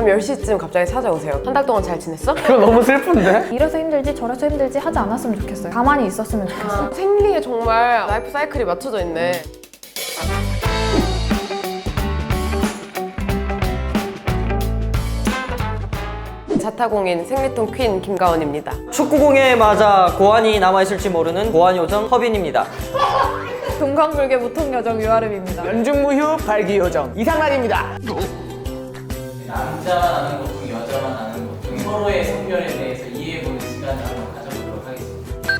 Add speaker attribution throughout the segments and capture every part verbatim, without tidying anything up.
Speaker 1: 밤 열 시쯤 갑자기 찾아오세요. 한 달 동안 잘 지냈어?
Speaker 2: 그거 너무 슬픈데?
Speaker 3: 이래서 힘들지 저래서 힘들지 하지 않았으면 좋겠어요. 가만히 있었으면 좋겠어요.
Speaker 1: 생리에 정말 라이프 사이클이 맞춰져 있네. 자타공인 생리통 퀸 김가원입니다.
Speaker 4: 축구공에 맞아 고환이 남아있을지 모르는 고환 요정 허빈입니다.
Speaker 3: 동강불개 무통여정 유아름입니다.
Speaker 2: 연중무휴 발기요정 이상란입니다.
Speaker 5: 남자만 아는 고통, 여자만 아는 고통, 서로의 성별에 대해서 이해해보는 시간을 한번 가져보도록 하겠습니다.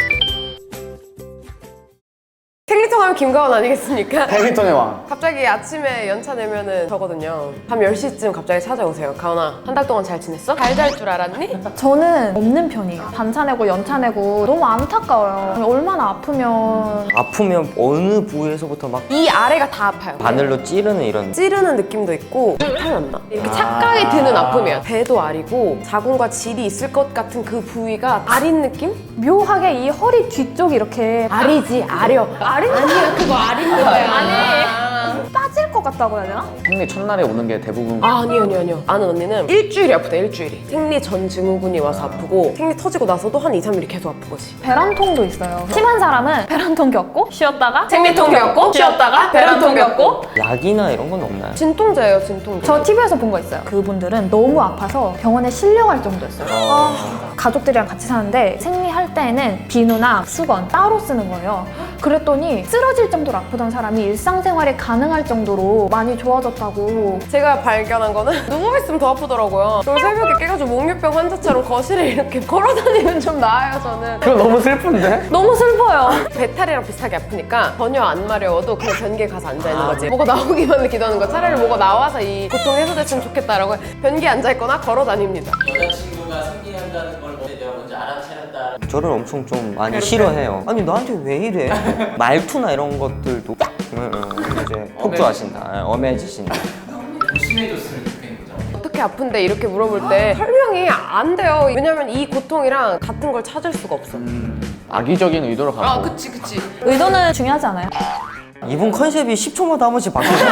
Speaker 1: 생리통 하면 김가원 아니겠습니까?
Speaker 2: 배드민턴의 왕.
Speaker 1: 갑자기 아침에 연차 내면은 저거든요. 밤 열 시쯤 갑자기 찾아오세요. 가원아, 한 달 동안 잘 지냈어? 잘 잘 줄 알았니?
Speaker 3: 저는 없는 편이에요. 반차 내고 연차 내고 너무 안타까워요. 얼마나 아프면
Speaker 4: 아프면 어느 부위에서부터 막
Speaker 1: 이 아래가 다 아파요.
Speaker 4: 바늘로 찌르는 이런.
Speaker 1: 찌르는 느낌도 있고 탈났나? 이렇게 착각이 드는 아픔이야. 배도 아리고 자궁과 질이 있을 것 같은 그 부위가 아린 느낌?
Speaker 3: 묘하게 이 허리 뒤쪽이 이렇게
Speaker 1: 아리지, 아려.
Speaker 3: 아린
Speaker 1: 아니야, 그거 아린 거야.
Speaker 3: 아니 빠질 것 같다고 해야 되나?
Speaker 2: 생리 첫날에 오는 게 대부분
Speaker 1: 아, 아니요, 아니요, 아니요. 아는 언니는 일주일이 아프다, 일주일이. 생리 전 증후군이 와서 아프고 생리 터지고 나서도 한 이, 삼 일이 계속 아프거지.
Speaker 3: 배란통도 있어요. 심한 사람은 배란통 겪고 쉬었다가
Speaker 1: 생리통 겪고 쉬었다가 배란통 겪고.
Speaker 4: 약이나 이런 건 없나요?
Speaker 1: 진통제예요, 진통제.
Speaker 3: 저 티비에서 본 거 있어요. 그분들은 너무 아파서 병원에 실려갈 정도였어요. 아, 가족들이랑 같이 사는데 생리할 때에는 비누나 수건 따로 쓰는 거예요. 그랬더니 쓰러질 정도로 아프던 사람이 일상생활이 가능할 정도로 많이 좋아졌다고.
Speaker 1: 제가 발견한 거는 누워있으면 더 아프더라고요. 그리고 새벽에 깨가지고 목류병 환자처럼 거실에 이렇게 걸어다니면 좀 나아요, 저는.
Speaker 2: 그거 너무 슬픈데?
Speaker 3: 너무 슬퍼요.
Speaker 1: 배탈이랑 비슷하게 아프니까 전혀 안 마려워도 그냥 변기에 가서 앉아있는 거지. 뭐가 나오기만 기도하는 거. 차라리 뭐가 나와서 이 고통 해소됐으면 좋겠다라고 변기에 앉아있거나 걸어다닙니다.
Speaker 5: 여자친구가 생리한다는 걸 내가 먼저 알아차렸다.
Speaker 4: 저를 엄청 좀 많이 싫어해요. 아니 나한테 왜 이래? 말투나 이런 것들도 음, 음, 이제 폭주하신다. 예, 엄해지신다.
Speaker 5: 심해졌으면 좋겠는 거죠.
Speaker 1: 어떻게 아픈데 이렇게 물어볼 때 설명이 안 돼요. 왜냐면 이 고통이랑 같은 걸 찾을 수가 없어.
Speaker 2: 악의적인 의도로 가고.
Speaker 1: 아, 그치, 그치.
Speaker 3: 의도는 중요하지 않아요.
Speaker 4: 이분 컨셉이 십 초마다 한 번씩 바뀌죠.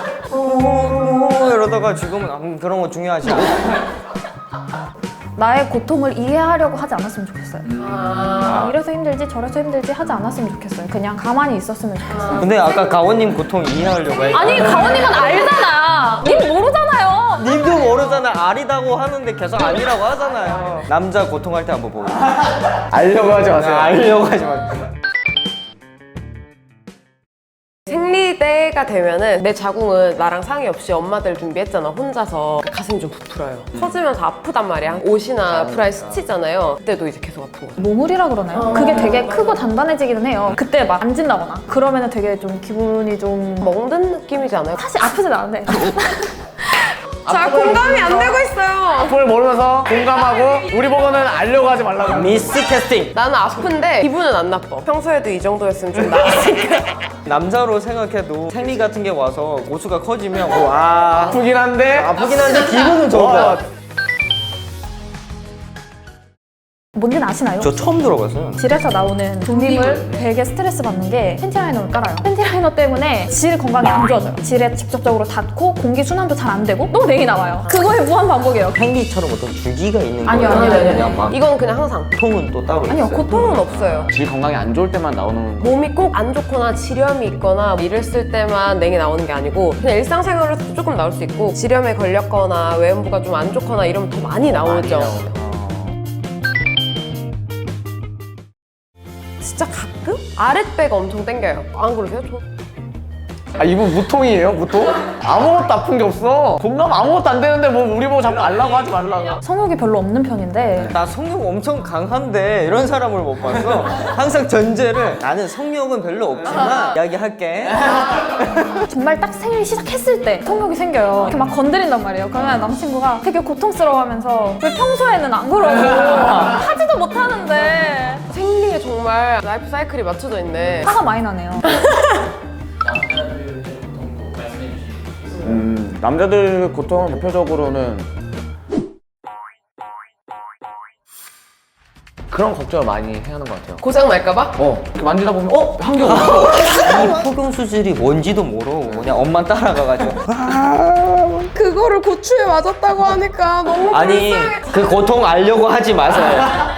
Speaker 4: 어, 이러다가 지금은 음, 그런 거 중요하지 않아.
Speaker 3: 나의 고통을 이해하려고 하지 않았으면 좋겠어요.
Speaker 1: 아.
Speaker 3: 이래서 힘들지 저래서 힘들지 하지 않았으면 좋겠어요. 그냥 가만히 있었으면 좋겠어요.
Speaker 4: 근데 아까 가원님 고통 이해하려고 했
Speaker 3: 아니 가원님은 알잖아. 님 모르잖아요.
Speaker 4: 님도 모르잖아. 아리다고 하는데 계속 아니라고 하잖아요. 남자 고통할 때 한번 보고.
Speaker 2: 알려고 하지 마세요.
Speaker 4: 알려고 하지 마세요.
Speaker 1: 생리 때가 되면은 내 자궁은 나랑 상의 없이 엄마들 준비했잖아, 혼자서. 그 가슴이 좀 부풀어요. 터지면서 아프단 말이야. 옷이나 브라에 스치잖아요. 그때도 이제 계속 아픈 거야.
Speaker 3: 모물이라 그러나요? 그게 되게 크고 단단해지기는 해요. 그때 막 앉은다거나 그러면은 되게 좀 기분이 좀
Speaker 1: 먹는 느낌이지 않아요?
Speaker 3: 사실 아프진 않은데
Speaker 1: 잘 공감이 안 되고 있어요.
Speaker 2: 그걸 모르면서 공감하고 우리 보고는 알려고 하지 말라고.
Speaker 4: 미스 캐스팅.
Speaker 1: 나는 아픈데 기분은 안 나빠. 평소에도 이 정도였으면 좀 나았으니까.
Speaker 4: 남자로 생각해도 생리 같은 게 와서 고수가 커지면 와
Speaker 2: 아프긴 한데
Speaker 4: 아프긴 한데 기분은 좋은 거야.
Speaker 3: 뭔지는 아시나요?
Speaker 4: 저 처음 들어봤어요.
Speaker 3: 질에서 나오는 분비물 되게 스트레스 받는 게 팬티라이너를 깔아요. 팬티라이너 때문에 질 건강이 안 좋아져요. 질에 직접적으로 닿고 공기 순환도 잘 안 되고 또 냉이 나와요. 그거의 무한 반복이에요.
Speaker 4: 생리처럼 어떤 주기가 있는
Speaker 3: 아니요,
Speaker 4: 거예요?
Speaker 3: 아니요, 아니요.
Speaker 4: 그냥 막
Speaker 1: 이건 그냥 항상.
Speaker 4: 고통은 또 따로
Speaker 1: 아니요,
Speaker 4: 있어요.
Speaker 1: 고통은 없어요.
Speaker 2: 질 건강이 안 좋을 때만 나오는 거.
Speaker 1: 몸이 꼭 안 좋거나 지렴이 있거나 이랬을 때만 냉이 나오는 게 아니고 그냥 일상생활에서도 조금 나올 수 있고 지렴에 걸렸거나 외음부가 좀 안 좋거나 이러면 더 많이 나오죠. 진짜 가끔 아랫배가 엄청 땡겨요. 안 그러세요? 저...
Speaker 2: 아 이분 무통이에요 무통? 아무것도 아픈 게 없어. 공감 아무것도 안 되는데 뭐 우리 보고 자꾸 알라고 하지 말라고.
Speaker 3: 성욕이 별로 없는 편인데
Speaker 4: 나 성욕 엄청 강한데 이런 사람을 못 봤어. 항상 전제를 나는 성욕은 별로 없지만 이야기할게.
Speaker 3: 정말 딱 생일 시작했을 때 성욕이 생겨요. 이렇게 막 건드린단 말이에요. 그러면 남친구가 되게 고통스러워하면서 왜 평소에는 안 그러고 하지도 못하는데
Speaker 1: 생리에 정말 라이프 사이클이 맞춰져 있네.
Speaker 3: 화가 많이 나네요.
Speaker 5: 남자들의 고통도 말씀해 주시겠어요?
Speaker 2: 음 남자들 고통 대표적으로는 그런 걱정을 많이 해야 하는 것 같아요.
Speaker 1: 고장 날까봐?
Speaker 2: 어, 이렇게 만지다 보면 어? 한 게 없어.
Speaker 4: 이 폭염 수질이 뭔지도 모르고 그냥 엄마 따라가가지고
Speaker 1: 그거를 고추에 맞았다고 하니까 너무
Speaker 4: 아니 그 고통 알려고 하지 마세요.